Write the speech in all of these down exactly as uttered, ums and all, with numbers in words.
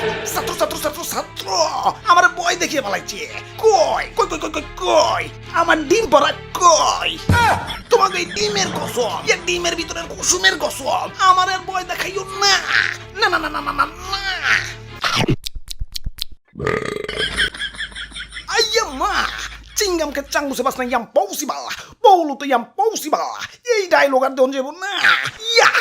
ছাত্র ছাত্র ছাত্র ছাত্র আমার বই দেখিয়ে পালাইছে। কই কই কই কই কই কই আমার ডিম পড়া কই? তোমাকে এই ডিমের কসম, এই ডিমের ভিতরের কুসুমের কসম, আমার আর বই দেখাইও না না না না না না না না। Ayya ma, cingam ke canggu sebas na yang possible, polo to yang possible. এই ডায়লগ আর দেন যাব না। ইয়া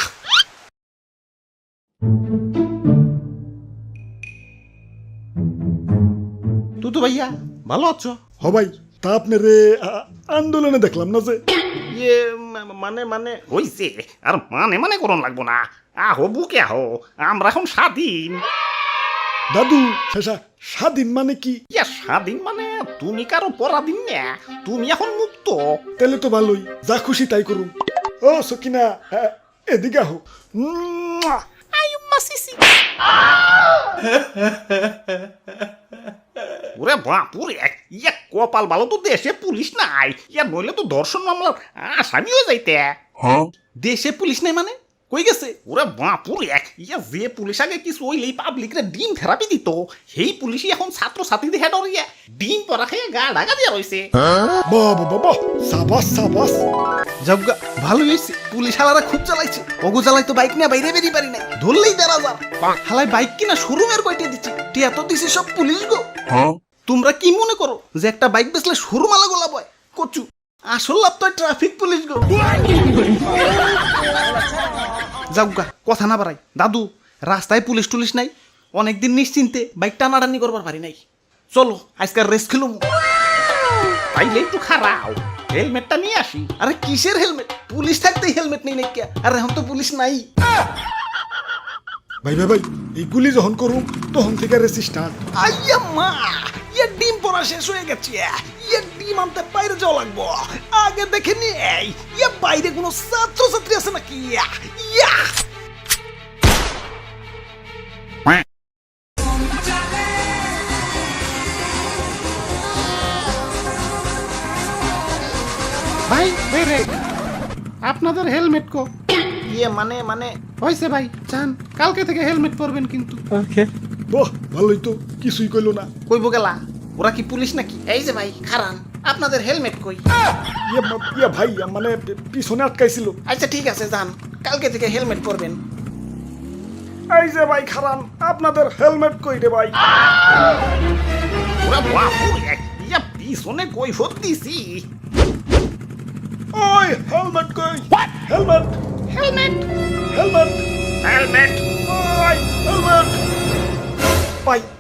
তুতু ভাইয়া ভালো আছো? হ ভাই, তা আপনারে আ- আন্দোলনে দেখলাম না যে। ইয়ে মা- মানে মানে হইছে আর মানে মানে করন লাগবো না। আহো বুকে আহো, আমরা এখন স্বাধীন। দাদু শেষা স্বাধীন মানে কি? ইয়া স্বাধীন মানে তুমি কারো পরাধীন না, তুমি এখন মুক্ত। তাহলে তো ভালোই, যা খুশি তাই করুন। ও সকিনা, আ- এদিকে আহো। মুয়া! আয়ুম্মা সিসি। ওরে বাপুরে, ইয়া কপাল ভালো তো দেশে পুলিশ নাই, ইয়া নইলে তো ধর্ষণ মামলার আসামি হয়ে যাইতে। দেশে পুলিশ নেই মানে কই গেছে? ওরে বাপুরে, ইয়া যে পুলিশ আগে কিছু হইলেই পাবলিকরে ডিম থেরাপি দিত, সেই পুলিশই এখন ছাত্র ছাত্রীদের হেড ইয়া ডিম পরা খেয়ে গা ঢাকা দিয়া রয়েছে। বাবা বাবা, সাবাস সাবাস। জবগা ভালো হয়েছে, পুলিশ হালারা খুব চালাইছে। ওগো চালাই তো বাইক নিয়ে বাইরে বেরিয়ে পারি নাই, ধরলেই দেড় হাজার। হালাই বাইক কিনা শোরুমের কয়টা দিচ্ছে, টিয়া তো দিছে সব পুলিশ গো। তোমরা কি মনে করো যে একটা বাইক বেচলে শোরুম আলা গোলা বয়? কচু আসল লাভ তো ট্রাফিক পুলিশ গো। যাওগা কথা না বাড়াই, দাদু রাস্তায় পুলিশ টুলিশ নাই, অনেকদিন নিশ্চিন্তে বাইক টানাটানি করবার পারি নাই। চলো আজকাল রেস খেলুম। তাইলে একটু খারাও, হেলমেটটা নিয়ে আসি। আরে কিসের হেলমেট? পুলিশ থাকতেই হেলমেট নেই নাকি? আর এখন তো পুলিশ নাই। ভাই ভাই ভাই, এইগুলি যখন করুন তখন থেকে রেসি স্টার্ট। আইয়া মা, ইয়া ডিম পড়া শেষ হয়ে গেছে, ইয়া ডিম আনতে বাইরে যাওয়া লাগবো। আগে দেখে নেই ইয়া বাইরে কোনো ছাত্র ছাত্রী আছে নাকি। ইয়া ইয়া ভাই বেরে আপনাদের হেলমেট কো? ইয়ে মানে মানে হয়েছে ভাই, চান কালকে থেকে হেলমেট পরবেন কিন্তু। বাহ, ভালোই তো, কিছুই কইলো না। কইব গেলা, ওরা কি পুলিশ নাকি? এই যে ভাই খারান, আপনাদের হেলমেট কই? ইয়া মা- ইয়া ভাই, মানে পিছনে আটকাইছিল। আচ্ছা ঠিক আছে যান, কালকে থেকে হেলমেট পরবেন। এই যে ভাই খারান, আপনাদের হেলমেট কই রে ভাই? ওরে বাপুরে, ইয়া পিছনে কৈফত দিছি। ওই হেলমেট কই? হেলমেট হেলমেট হেলমেট হেলমেট ওই হেলমেট। ভাই